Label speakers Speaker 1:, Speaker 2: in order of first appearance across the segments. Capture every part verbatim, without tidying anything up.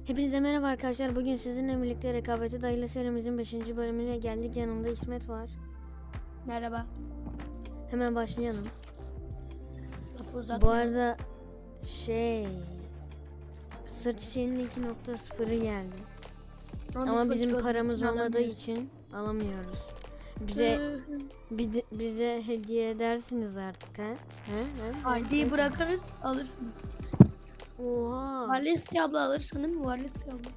Speaker 1: Hepinize merhaba arkadaşlar. Bugün sizinle birlikte Rekabete Dayalı serimizin beşinci bölümüne geldik. Yanımda İsmet var.
Speaker 2: Merhaba.
Speaker 1: Hemen başlayalım.
Speaker 2: Lafı
Speaker 1: Bu arada şey Sır Çiçeği'nin iki nokta sıfırı geldi.
Speaker 2: Onu
Speaker 1: Ama
Speaker 2: sıfır
Speaker 1: bizim
Speaker 2: çıkardığı
Speaker 1: paramız
Speaker 2: için
Speaker 1: olmadığı
Speaker 2: alamıyoruz.
Speaker 1: için alamıyoruz. Bize bize, bize hediye edersiniz artık ha? He? He?
Speaker 2: I D'yi bırakırız, alırsınız.
Speaker 1: Oha.
Speaker 2: Valencia abla alırsın değil mi? Valencia abla.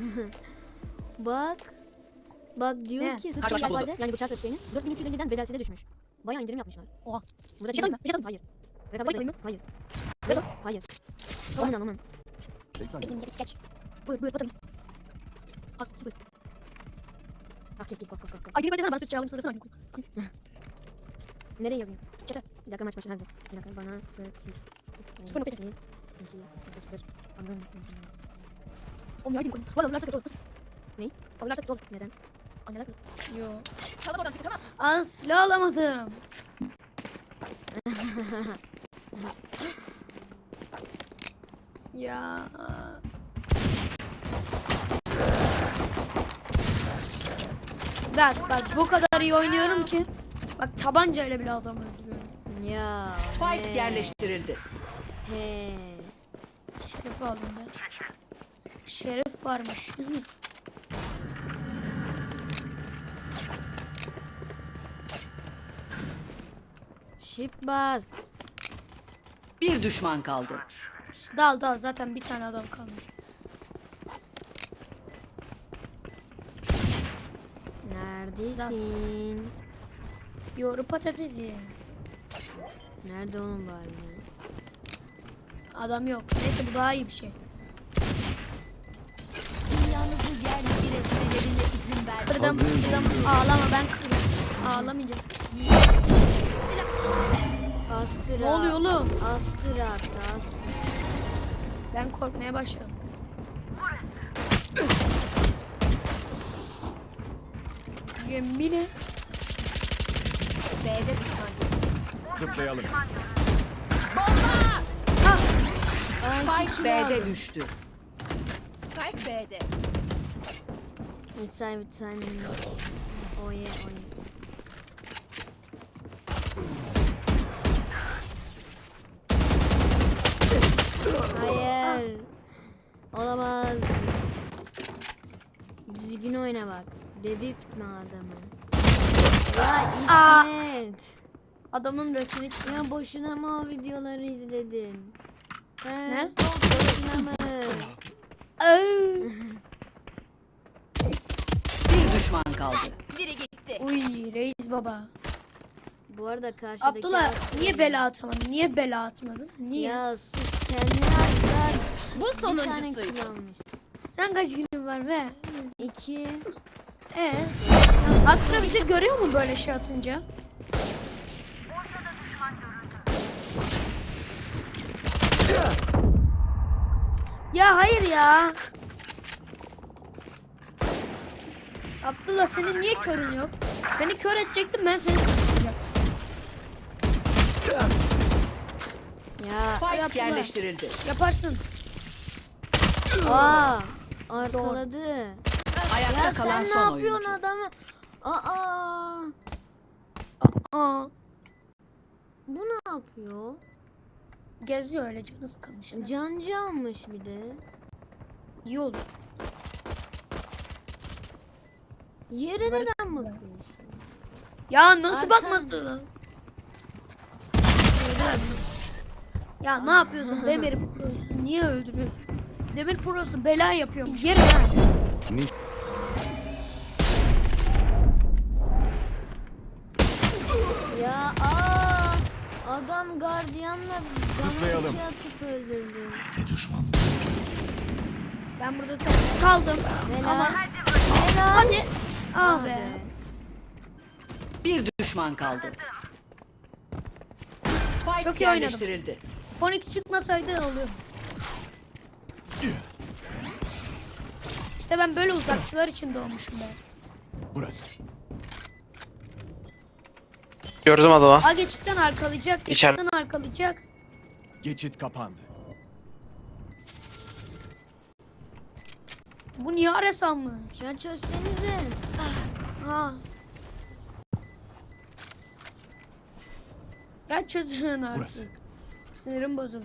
Speaker 1: Bak. Bak diyor
Speaker 2: Ne?
Speaker 1: ki
Speaker 3: Kaç başlık
Speaker 1: Sır yani bıçağı Sır dört bin üç yüz elliden bedelsize düşmüş. Bayağı indirim yapmışlar.
Speaker 2: Oha.
Speaker 1: Burada
Speaker 2: Bir şey alayım mı? Bir şey alayım mı?
Speaker 1: Hayır.
Speaker 2: Bir şey
Speaker 1: Rekabet
Speaker 2: alayım
Speaker 1: yok. Hayır.
Speaker 2: Vedo.
Speaker 1: Hayır. Aman aman.
Speaker 2: Bizim de geç. Buyur buyur batırım. Az sıfır.
Speaker 1: Ah git git bak bak bak.
Speaker 2: Ay bir koy desene ben sırt çağırayım sırasına alayım.
Speaker 1: Nereye yazayım?
Speaker 2: Çete.
Speaker 1: Bir dakika maç başına. Bir dakika bana Sır Çiçeği.
Speaker 2: Sıfır nokta
Speaker 1: iki, iki, sıfır. Anladın mı?
Speaker 2: Oğlum ya koyayım. Bu arada alırlarsa kötü olur.
Speaker 1: Ne?
Speaker 2: Alırlarsa kötü olur.
Speaker 1: Neden?
Speaker 2: Anneler kızı. Yo.
Speaker 3: Çalım oradan çıktı tamam.
Speaker 2: Az silah alamadım. Ya. Bak bak bu kadar iyi oynuyorum ki. Bak tabancayla bile adam öldürüyorum.
Speaker 1: Ya.
Speaker 3: Spike
Speaker 1: he,
Speaker 3: yerleştirildi.
Speaker 1: He.
Speaker 2: Şerif aldım ben. Şerif varmış.
Speaker 1: Shift bas.
Speaker 3: Bir düşman kaldı.
Speaker 2: Dal dal zaten bir tane adam kalmış.
Speaker 1: Neredesin?
Speaker 2: Yoğuru patatesi.
Speaker 1: Nerede onun bari?
Speaker 2: Adam yok. Neyse bu daha iyi bir şey.
Speaker 3: Dünyanızı yerle bir etmelerine izin ver.
Speaker 2: Kırdım kırdım. Ağlama ben kırdım. Ağlamayacağım.
Speaker 1: Astra.
Speaker 2: Ne oluyor oğlum?
Speaker 1: Astra attı. Astra.
Speaker 2: Ben korkmaya başladım. Yemine.
Speaker 3: B'de düşman.
Speaker 4: Zıplayalım.
Speaker 3: Spike B'de düştü. Spike B'de.
Speaker 1: Mitsai mitsai minno. Oye oye. Hayır. Olamaz. Düzgün oyna bak. Deviptme adamı. Ya
Speaker 2: Aa.
Speaker 1: İsmet.
Speaker 2: Adamın resmini çiz.
Speaker 1: Ya boşuna mı o videoları izledin? He?
Speaker 2: Ne?
Speaker 1: Boşuna mı?
Speaker 3: Bir düşman kaldı. Biri gitti.
Speaker 2: Uy reis baba.
Speaker 1: Bu arada karşıdaki...
Speaker 2: Abdullah niye bela atamadın? Niye bela atmadın? Niye?
Speaker 1: Ya sus kendini atlar.
Speaker 3: Bu
Speaker 1: Bir tane
Speaker 3: sonuncusuydu.
Speaker 1: kill almış.
Speaker 2: Sen kaç günün var be?
Speaker 1: İki.
Speaker 2: Ee? Astra bizi görüyor mu böyle şey atınca? Ya hayır ya. Abdullah senin niye körün yok? Beni kör edecektin ben seni konuşacaktım.
Speaker 1: Ya.
Speaker 3: Spike
Speaker 2: yaptılar.
Speaker 3: yerleştirildi.
Speaker 2: Yaparsın.
Speaker 1: Aa. Arkaladı.
Speaker 3: Ayakta
Speaker 1: Ya
Speaker 3: kalan
Speaker 1: sen ne
Speaker 3: son
Speaker 1: yapıyorsun
Speaker 3: oyuncu.
Speaker 1: adamı? Aa.
Speaker 2: Aa,
Speaker 1: Bu ne yapıyor?
Speaker 2: geziyor öyle canı sıkılmış.
Speaker 1: Cancı almış bir de.
Speaker 2: İyi olur.
Speaker 1: Yere neden bakıyorsun?
Speaker 2: Ya nasıl
Speaker 1: Arkan-
Speaker 2: bakmazdın? Ya ne yapıyorsun Demir Pro'su? Niye öldürüyorsun? Demir Pro'su bela yapıyormuş. Yerim ha.
Speaker 1: Ya aa. Adam gardiyanla
Speaker 4: Zıplayalım.
Speaker 1: bana iki atıp öldürdü.
Speaker 2: Ben burada tek kaldım.
Speaker 1: Helal.
Speaker 2: Ama
Speaker 1: Helal.
Speaker 2: hadi.
Speaker 1: Ah
Speaker 2: Ah be.
Speaker 3: Bir düşman kaldı. Spike
Speaker 2: Çok iyi oynadım.
Speaker 3: yerleştirildi.
Speaker 2: Phoenix çıkmasaydı oluyor. İşte ben böyle uzakçılar için doğmuşum ben.
Speaker 4: Burası.
Speaker 5: Gördüm adamı.
Speaker 2: A geçitten arkalayacak,
Speaker 5: İçer-
Speaker 2: geçitten arkalayacak.
Speaker 4: Geçit kapandı.
Speaker 2: Bu niye Ares almış?
Speaker 1: Ya çözsenize.
Speaker 2: Ha. Ya çözün artık.
Speaker 4: Burası.
Speaker 2: Sinirim bozuldu.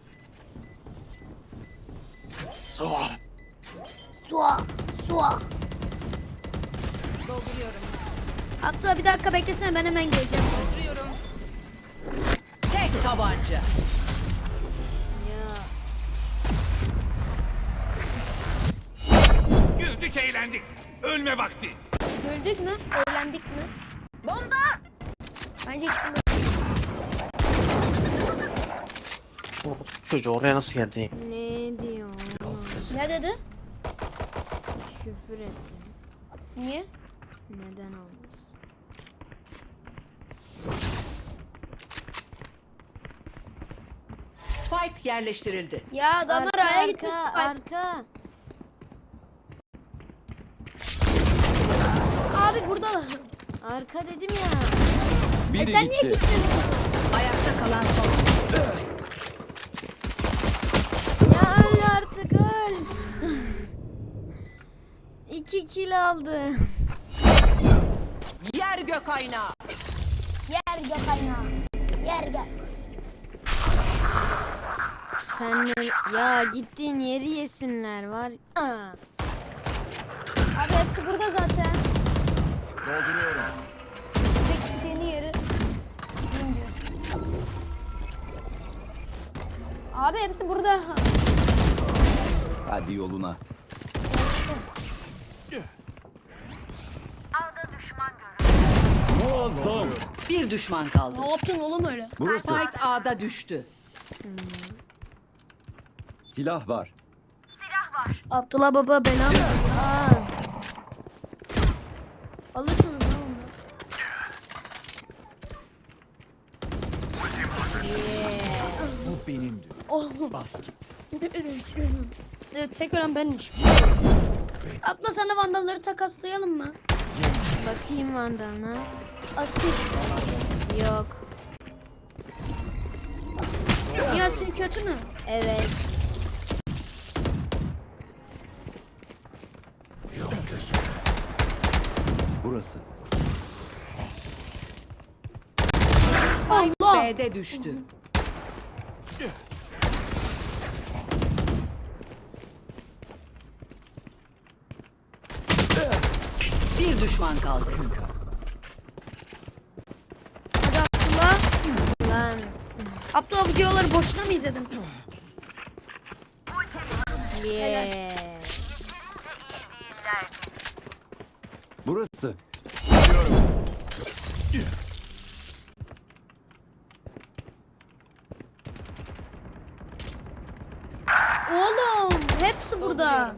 Speaker 4: Soğa.
Speaker 2: Sua. Sua.
Speaker 3: Dolduruyorum.
Speaker 2: Abdullah bir dakika beklesene, ben hemen geleceğim.
Speaker 3: Dolduruyorum. Tek tabanca.
Speaker 1: Ya
Speaker 4: Güldük eğlendik. Ölme vakti.
Speaker 2: Güldük mü? Eğlendik mi?
Speaker 3: Bomba.
Speaker 2: Bence ikisini de.
Speaker 5: Çocuğu oraya nasıl geldi?
Speaker 1: ne diyor?
Speaker 2: Ne dedi?
Speaker 1: Küfür etti.
Speaker 2: Niye?
Speaker 1: Neden olmuş?
Speaker 3: Spike yerleştirildi.
Speaker 2: Ya adamlar
Speaker 1: Arka,
Speaker 2: aya gitmiş.
Speaker 1: arka,
Speaker 2: Bak.
Speaker 1: arka.
Speaker 2: Abi buradalar.
Speaker 1: Arka dedim ya.
Speaker 2: E
Speaker 4: Biri
Speaker 2: sen niye
Speaker 4: gitti.
Speaker 2: gittin?
Speaker 3: Ayakta kalan son.
Speaker 1: Ya öl artık öl. İki kill aldı.
Speaker 3: Yer gök aynağı.
Speaker 2: Yer gök aynağı. Yer gök.
Speaker 1: Sen ne? Ya gittiğin yeri yesinler var. Aa.
Speaker 2: Abi hepsi burada zaten.
Speaker 4: Dolduruyorum.
Speaker 2: Tek seni yeri. Bilmiyorum. Abi hepsi burada.
Speaker 4: Hadi yoluna. Muazzam.
Speaker 3: Bir düşman kaldı.
Speaker 2: Ne yaptın oğlum öyle?
Speaker 4: Burası.
Speaker 3: Spike A'da düştü.
Speaker 4: Silah var.
Speaker 2: Abdullah baba bela.
Speaker 1: Aa.
Speaker 2: Alırsınız lan onu.
Speaker 4: Bu benimdi.
Speaker 2: Oh.
Speaker 4: Bas git.
Speaker 2: Evet, tek ölen benmiş. Abla sana vandalları takaslayalım mı?
Speaker 1: Bakayım vandalına.
Speaker 2: Asil.
Speaker 1: Yok.
Speaker 2: Niye asil kötü mü?
Speaker 1: Evet.
Speaker 4: Burası.
Speaker 2: Allah.
Speaker 3: B'de düştü. Bir düşman kaldı.
Speaker 2: Hadi Abdullah.
Speaker 1: Lan.
Speaker 2: Abdullah videoları boşuna mı izledin?
Speaker 1: Yeah.
Speaker 4: Burası.
Speaker 2: Oğlum hepsi burada.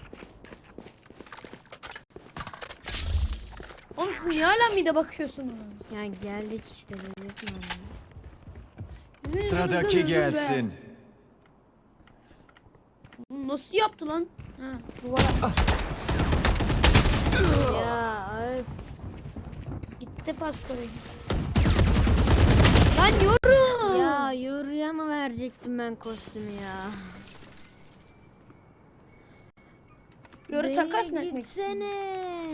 Speaker 2: Oğlum siz niye hala mide bakıyorsunuz?
Speaker 1: Ya geldik işte dedik mi?
Speaker 2: Sizin
Speaker 4: Sıradaki
Speaker 2: yüzünüzden öldüm be.
Speaker 4: gelsin.
Speaker 2: Nasıl yaptı lan? Ha, duvar atmış.
Speaker 1: Ya öf.
Speaker 2: Gitti Fasko'yu. Lan yoru.
Speaker 1: Ya yoruya mı verecektim ben kostümü ya?
Speaker 2: Yoru
Speaker 1: Bey,
Speaker 2: takas mı etmek?
Speaker 1: Gitsene.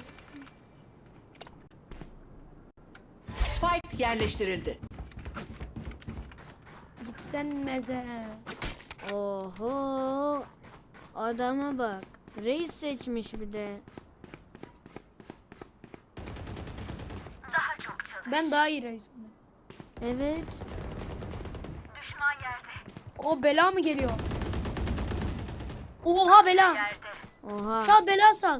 Speaker 3: Spike yerleştirildi.
Speaker 2: Gitsen meze.
Speaker 1: Oho. Adama bak. Reis seçmiş bir de.
Speaker 2: Ben daha iyi reis.
Speaker 1: Evet.
Speaker 2: O bela mı geliyor? Oha bela.
Speaker 1: Oha.
Speaker 2: Sal bela sal.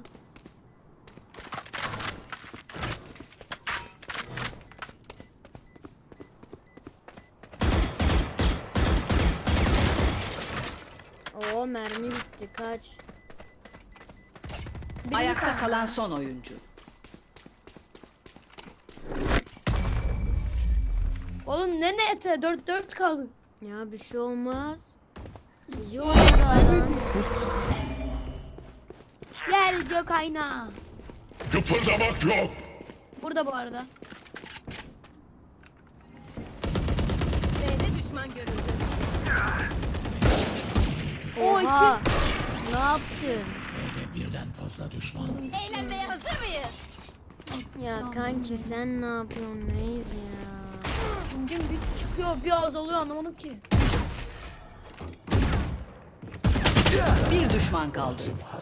Speaker 1: Oo mermi bitti kaç.
Speaker 3: Ayakta kalan son oyuncu.
Speaker 2: Oğlum ne ne ete? dört dört kaldı.
Speaker 1: Ya bir şey olmaz. İyi oynadı adam.
Speaker 2: Gel gök aynağı.
Speaker 4: Kıpırdamak yok.
Speaker 2: Burada bu arada.
Speaker 3: B'de düşman görüldü.
Speaker 2: O
Speaker 1: Oha.
Speaker 2: iki.
Speaker 1: Ne yaptın?
Speaker 6: Eğlenmeye hazır mıyız?
Speaker 1: Ya kanki sen ne yapıyorsun reis ya?
Speaker 2: Pingim bir çıkıyor bir azalıyor anlamadım ki.
Speaker 3: Bir düşman kaldı.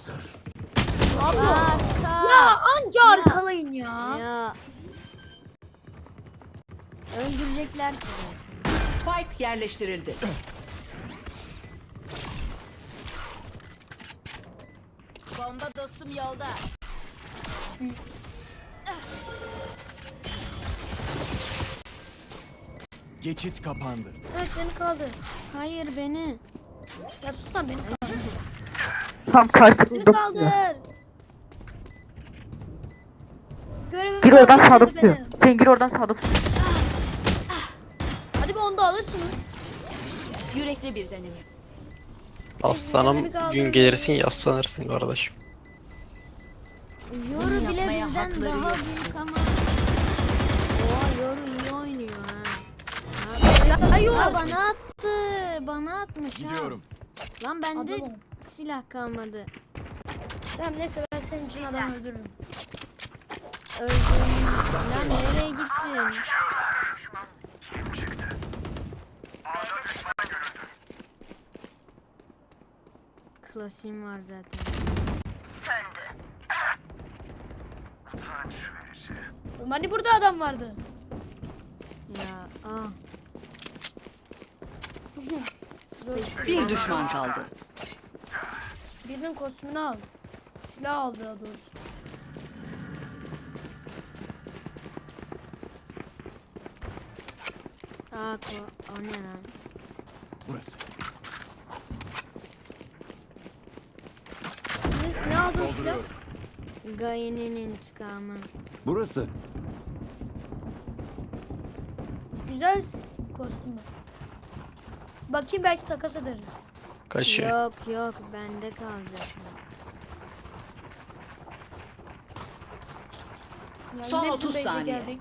Speaker 2: Abla.
Speaker 1: Baka.
Speaker 2: Ya anca arkalayın ya.
Speaker 1: Ya. Öldürecekler sizi.
Speaker 3: Spike yerleştirildi.
Speaker 6: Bomba dostum yolda.
Speaker 4: Geçit kapandı.
Speaker 2: Evet beni kaldır.
Speaker 1: Hayır beni.
Speaker 2: Ya sus lan beni kaldır.
Speaker 7: Tam karşılıklı
Speaker 2: Beni
Speaker 7: dokunuyor.
Speaker 2: kaldır. Görevimi
Speaker 7: Gir oradan
Speaker 2: kaldır
Speaker 7: sağda
Speaker 2: dedi
Speaker 7: tutuyor.
Speaker 2: beni.
Speaker 7: Sen gir oradan sağda tutuyor.
Speaker 2: Hadi bir onu da alırsınız.
Speaker 6: Yürekli bir deneme.
Speaker 5: Aslanım gün gelirsin yaslanırsın kardeşim.
Speaker 1: Yoru bile
Speaker 6: yapmaya
Speaker 1: bizden
Speaker 6: hakları
Speaker 1: daha
Speaker 6: yok.
Speaker 1: büyük ama. Oha Yoru iyi oynuyor ha.
Speaker 2: Ya yok.
Speaker 1: Aa, bana attı. Bana atmış ha.
Speaker 4: Gidiyorum.
Speaker 1: Lan bende
Speaker 2: Adamım.
Speaker 1: silah kalmadı.
Speaker 2: Tamam neyse ben senin için adam öldürürüm.
Speaker 1: Öldüm. Lan nereye gittin? Klasiğim var zaten.
Speaker 2: Oğlum hani burada adam vardı.
Speaker 1: Ya ah.
Speaker 2: Zor.
Speaker 3: Bir düşman kaldı.
Speaker 2: Birinin kostümünü al. Silah al daha doğrusu.
Speaker 1: Aa ko o ne lan?
Speaker 4: Burası.
Speaker 2: Ne, ne aldın silah?
Speaker 4: Dolduruyorum.
Speaker 1: Gaye'nin intikamı.
Speaker 4: Burası.
Speaker 2: Güzel kostümü. Bakayım belki takas ederiz.
Speaker 5: Kaçıyor.
Speaker 1: Yok yok bende kalacak.
Speaker 2: Yani
Speaker 3: Son
Speaker 2: hepsi
Speaker 3: otuz
Speaker 2: base'e
Speaker 3: saniye.
Speaker 2: geldik.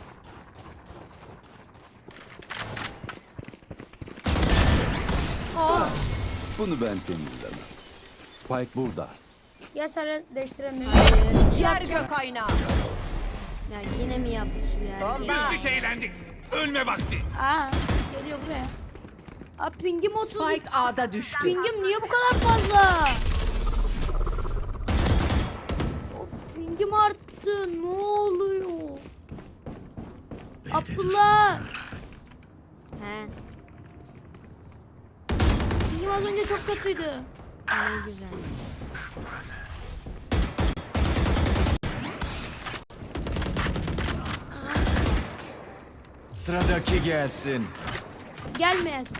Speaker 2: Aa,
Speaker 4: Bunu ben temizlemem. Spike burada.
Speaker 2: gel sen değiştirelim.
Speaker 3: Yer gök aynağı.
Speaker 1: Ya yine mi yaptı şu ya?
Speaker 4: Güldük eğlendik. Ölme vakti.
Speaker 2: Aa, geliyor buraya. Aa, pingim otuz.
Speaker 3: Spike A'da düştü.
Speaker 2: Pingim niye bu kadar fazla? Of pingim arttı. Ne oluyor? Abdullah.
Speaker 1: He
Speaker 2: Pingim az önce çok kötüydü.
Speaker 1: ne güzel.
Speaker 4: Sıradaki gelsin.
Speaker 2: Gelmeyesin.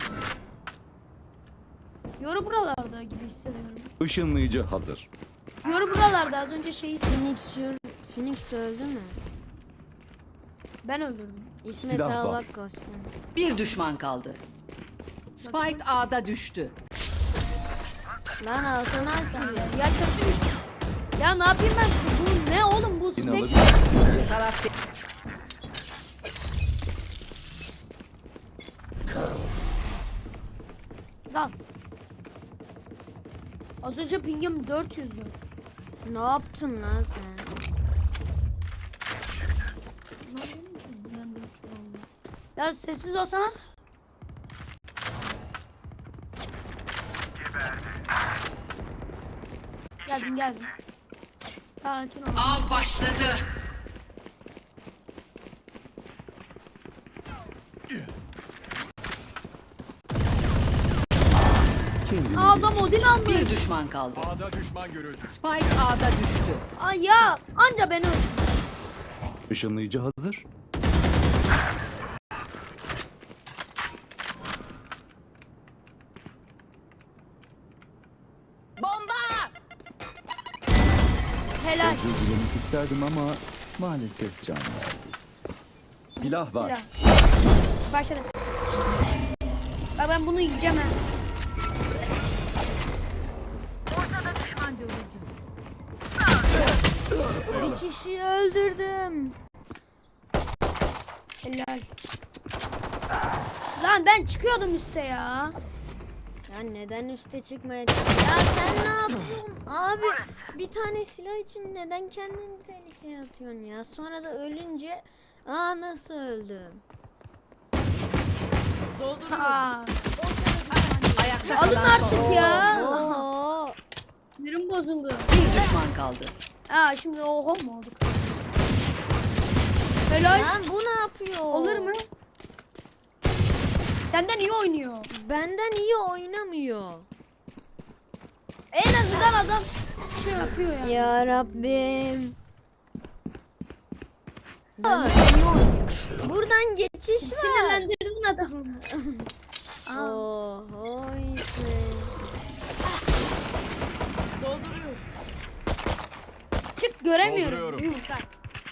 Speaker 2: Yoru buralarda gibi hissediyorum.
Speaker 4: Işınlayıcı hazır.
Speaker 2: Yoru buralarda az önce şeyi
Speaker 1: Phoenix, şur- Phoenix öldü mü?
Speaker 2: ben öldürdüm.
Speaker 1: İsmet
Speaker 4: Silah var.
Speaker 1: Albak kostüm.
Speaker 3: Bir düşman kaldı. Spike A'da düştü.
Speaker 1: Lan altına atıyor.
Speaker 2: Ya kötüymüş. Ya ne yapayım ben? Bu ne oğlum bu
Speaker 4: İnanılır.
Speaker 2: spek?
Speaker 3: Taraf
Speaker 2: Al. Az önce pingim dört yüzdü.
Speaker 1: Ne yaptın lan sen?
Speaker 2: Ne yapayım ki? Ben dört yüz oldu. Ya sessiz olsana. Geldim geldim. Sakin ol.
Speaker 3: Av başladı.
Speaker 4: Kendini
Speaker 2: Aa, adam Odin almış.
Speaker 3: Bir düşman kaldı.
Speaker 4: A'da düşman görüldü.
Speaker 3: Spike A'da düştü.
Speaker 2: Ay ya anca beni öldürdü.
Speaker 4: Işınlayıcı hazır.
Speaker 6: Bomba!
Speaker 2: Helal.
Speaker 4: Özür dilemek isterdim ama maalesef can verdi. Silah var.
Speaker 2: Silah. Başladı. Bak ben bunu yiyeceğim ha.
Speaker 1: Bir kişiyi öldürdüm.
Speaker 2: Helal. Lan ben çıkıyordum üste ya.
Speaker 1: Ya neden üste çıkmaya Ya sen ne yapıyorsun abi? Bir tane silah için neden kendini tehlikeye atıyorsun ya? Sonra da ölünce aa nasıl öldüm?
Speaker 2: Ha.
Speaker 3: Ayakta
Speaker 2: Alın
Speaker 3: kalan son
Speaker 2: artık
Speaker 3: oyuncu.
Speaker 2: ya.
Speaker 1: Oo.
Speaker 2: Sinirim bozuldu.
Speaker 3: Bir düşman kaldı.
Speaker 2: Aa şimdi oho mu olduk? Helal.
Speaker 1: Lan bu ne yapıyor?
Speaker 2: Olur mu? Senden iyi oynuyor.
Speaker 1: Benden iyi oynamıyor.
Speaker 2: En azından adam şey yapıyor yani.
Speaker 1: Ya Rabbim. Buradan geçiş var.
Speaker 2: Sinirlendirdin adamı. Aa,
Speaker 1: Oho işte.
Speaker 2: çık göremiyorum.
Speaker 4: Dolduruyorum.
Speaker 6: Dikkat.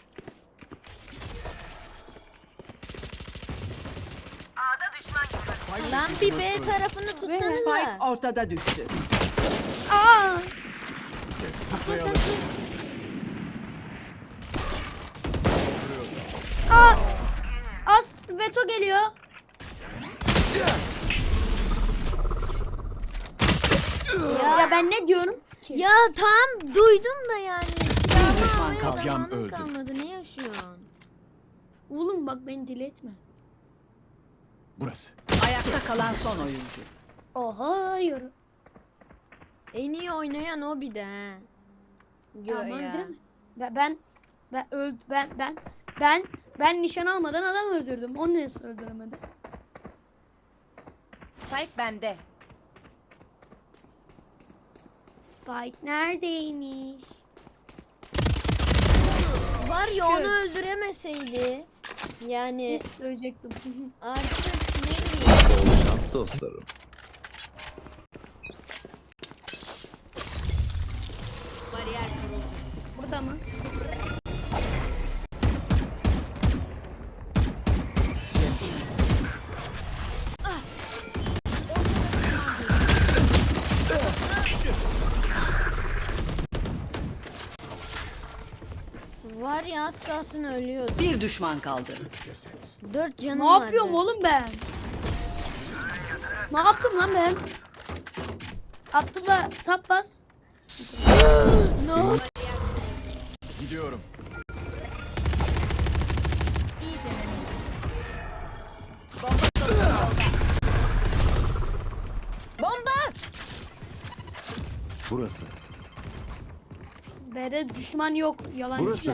Speaker 1: Lan bir B tarafını tutsanıza.
Speaker 3: Spike ortada düştü.
Speaker 2: Aa,
Speaker 4: Zıplayalım.
Speaker 2: aa. Az veto geliyor.
Speaker 1: Ya,
Speaker 2: Ya ben ne diyorum ki?
Speaker 1: ya tam duydum da yani. Silahımı
Speaker 3: düşman
Speaker 1: almaya
Speaker 3: kaldı.
Speaker 4: Yam
Speaker 1: zamanım
Speaker 4: öldü.
Speaker 1: kalmadı. Ne yaşıyorsun?
Speaker 2: Oğlum bak beni deli etme.
Speaker 4: Burası.
Speaker 3: Ayakta kalan son oyuncu.
Speaker 2: Oha yürü.
Speaker 1: En iyi oynayan o bir de ha. Yo
Speaker 2: Ama
Speaker 1: ya.
Speaker 2: öldüremedim. Ben ben ben öld ben ben ben ben nişan almadan adam öldürdüm. Onu nasıl öldüremedi?
Speaker 6: Spike bende.
Speaker 2: Spike neredeymiş?
Speaker 1: Var ya
Speaker 2: Şükür.
Speaker 1: onu öldüremeseydi. Yani
Speaker 2: Ne söyleyecektim?
Speaker 1: artık ne bileyim.
Speaker 4: Bol şans dostlarım.
Speaker 6: Bariyer kuruldu.
Speaker 2: Burada mı?
Speaker 1: Var ya az kalsın ölüyordu.
Speaker 3: Bir düşman kaldı.
Speaker 1: Dört canım
Speaker 2: Ne
Speaker 1: vardı.
Speaker 2: yapıyorum oğlum ben? Ne yaptım lan ben? Abdullah tap bas.
Speaker 1: Ne oldu?
Speaker 4: Gidiyorum.
Speaker 6: İyi deneme. Bomba dostum yolda. Bomba!
Speaker 4: Burası.
Speaker 2: B'de düşman yok. Yalancı.
Speaker 4: Burası.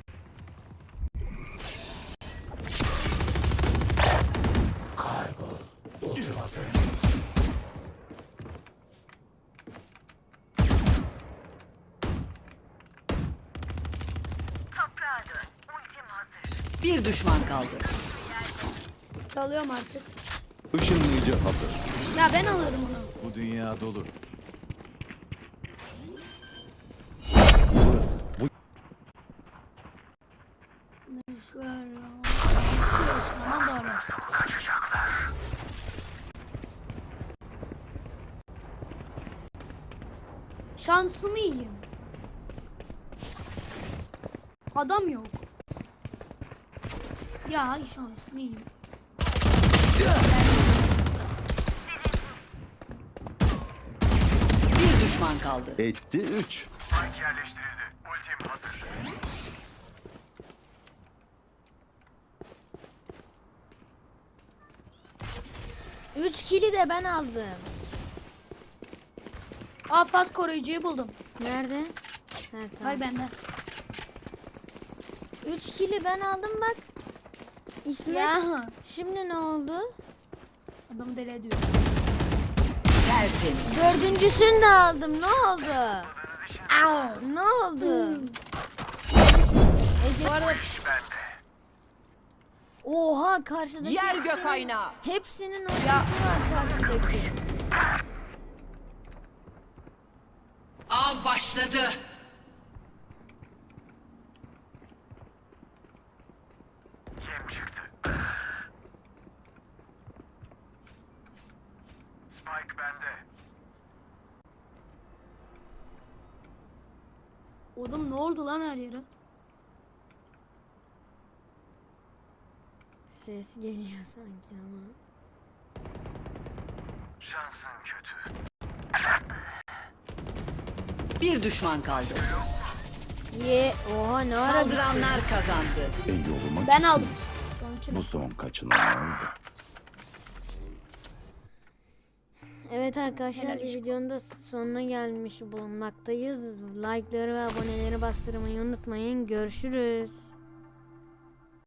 Speaker 3: Bir düşman kaldı.
Speaker 2: Çalıyorum artık.
Speaker 4: Işınlayıcı hazır.
Speaker 2: Ya ben alırım onu.
Speaker 4: Bu dünya dolu. Burası. Bu
Speaker 2: Şöyle. Aman bari. Şansımı yiyeyim. Adam yok. Ya şansımı yiyeyim.
Speaker 3: Bir düşman kaldı.
Speaker 4: etti üç.
Speaker 1: Üç kili de ben aldım.
Speaker 2: Aa faz koruyucuyu buldum.
Speaker 1: Nerede? Ha, tamam.
Speaker 2: Var bende.
Speaker 1: Üç kili ben aldım bak. İsmet.
Speaker 2: Ya.
Speaker 1: Şimdi ne oldu?
Speaker 2: Adamı deli ediyor.
Speaker 3: Tertemiz.
Speaker 1: Dördüncüsünü de aldım. Ne oldu?
Speaker 2: Au.
Speaker 1: Ne oldu?
Speaker 2: Bu arada
Speaker 1: Oha karşıdaki
Speaker 3: Yer
Speaker 1: hepsinin-
Speaker 3: gök aynağı.
Speaker 1: Hepsinin ortası var karşıdaki.
Speaker 3: Av başladı.
Speaker 8: Spike bende.
Speaker 2: oğlum ne oldu lan her yere?
Speaker 1: Ses geliyor sanki ama.
Speaker 3: Bir düşman kaldı.
Speaker 1: Ye oha ne ara
Speaker 3: Saldıranlar kazandı.
Speaker 4: E yoluma
Speaker 2: Ben
Speaker 4: çıktım.
Speaker 2: aldım. Sonuçta.
Speaker 4: Bu son kaçınılmazdı.
Speaker 1: Evet arkadaşlar
Speaker 2: Helal
Speaker 1: bir
Speaker 2: iş.
Speaker 1: videonun da sonuna gelmiş bulunmaktayız. Like'ları ve aboneleri bastırmayı unutmayın. Görüşürüz.